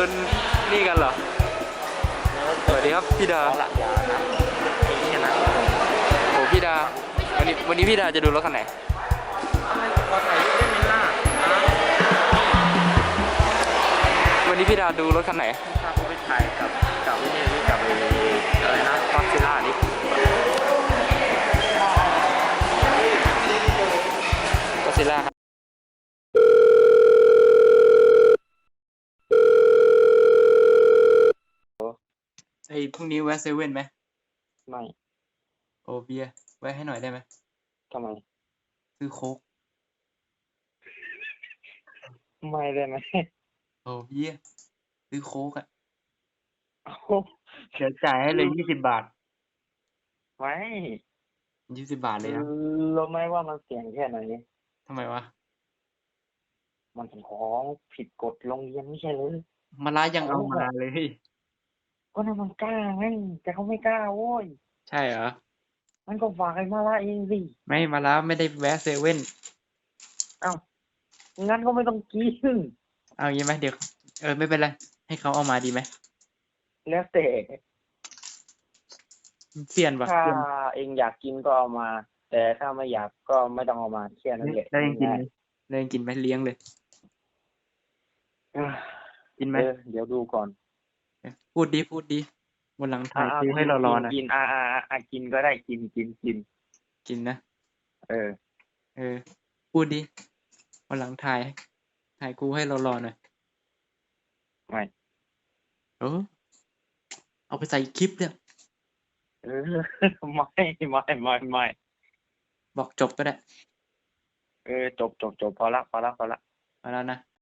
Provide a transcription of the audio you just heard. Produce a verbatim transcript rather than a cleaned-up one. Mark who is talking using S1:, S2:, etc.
S1: นนี่กันเหรอสวัสดีครับพี่ดา
S2: หลักยานะไอ้นี่นะ
S1: โอ้พี่ดาวันนี้วันนี้พี่ดาจะดูรถคันไหน
S2: อะไรขอถ่ายรูปได้ไหมล่ะนะ
S1: วันนี้พี่ดาดูรถคันไหน
S2: พาเขาไปถ่ายกับกับนี่นี่กับไอ้อะไรนะก็อดซิลล่านี่
S1: ก็ซิล่าครับไอ้พรุ่งนี้แวะเซเว่นไหม
S2: ไม่
S1: โอเบียร์แวะให้หน่อยได้ไหม
S2: ทำไม
S1: ซื้อโค้ก
S2: ไม่ได้ไหม
S1: โอเบียร์ซื้อโค้กอ่ะ
S2: เอ้า
S1: เดี๋ยวจ่ายให้เลยยี่สิบบาท
S2: ไม่
S1: ยี่สิบบาทเลยนะ
S2: รู้ไหมว่ามันเสี่ยงแค่ไหน
S1: ทำไมวะ
S2: มันเป็นของผิดกฎโรงเรียนไม่ใช่เลย
S1: มาลายังเอามาเลย
S2: ก็นั่นมันกล้าไงแต่เขาไม่กล้าโว้ย
S1: ใช่เหรอ
S2: มันก็ฝากไอ้มาละเองสิ
S1: ไม่มาลาไม่ได้แวะเซเว่น
S2: เอ้างั้นก็ไม่ต้องกิน
S1: เอางี้ไหมเดี๋ยวเออไม่เป็นไรให้เขาเอามาดีไหม
S2: แล้วแต่
S1: เสียนปะ
S2: ถ้า
S1: เสียน
S2: เองอยากกินก็เอามา แต่ถ้าไม่อยากก็ไม่ต้องเอามาแค่นั้นแหละ
S1: แล้วยังกินไหมแล้วยังกินไหมเลี้ยงเลย
S2: อ่ะ
S1: กินไหม
S2: เออเดี๋ยวดูก่อน
S1: พูดดีพูดดีวันหลังถ่าย
S2: อ่ะ
S1: คิวให้เรารอนะ
S2: กินอ่าอ่าอ่ากินก็ได้กินกินกิน
S1: กินนะ
S2: เออ
S1: เออ พูดดีวันหลังถ่ายถ่ายกูให้เรารอหน่อย
S2: ไม่
S1: เออเอาไปใส่คลิปเนี่ย
S2: เออ ไม่ไม่ไม่ไม่
S1: บอกจบก็ได้
S2: เออจบจบจบพอละพอละพอละ
S1: มาแล้วนะ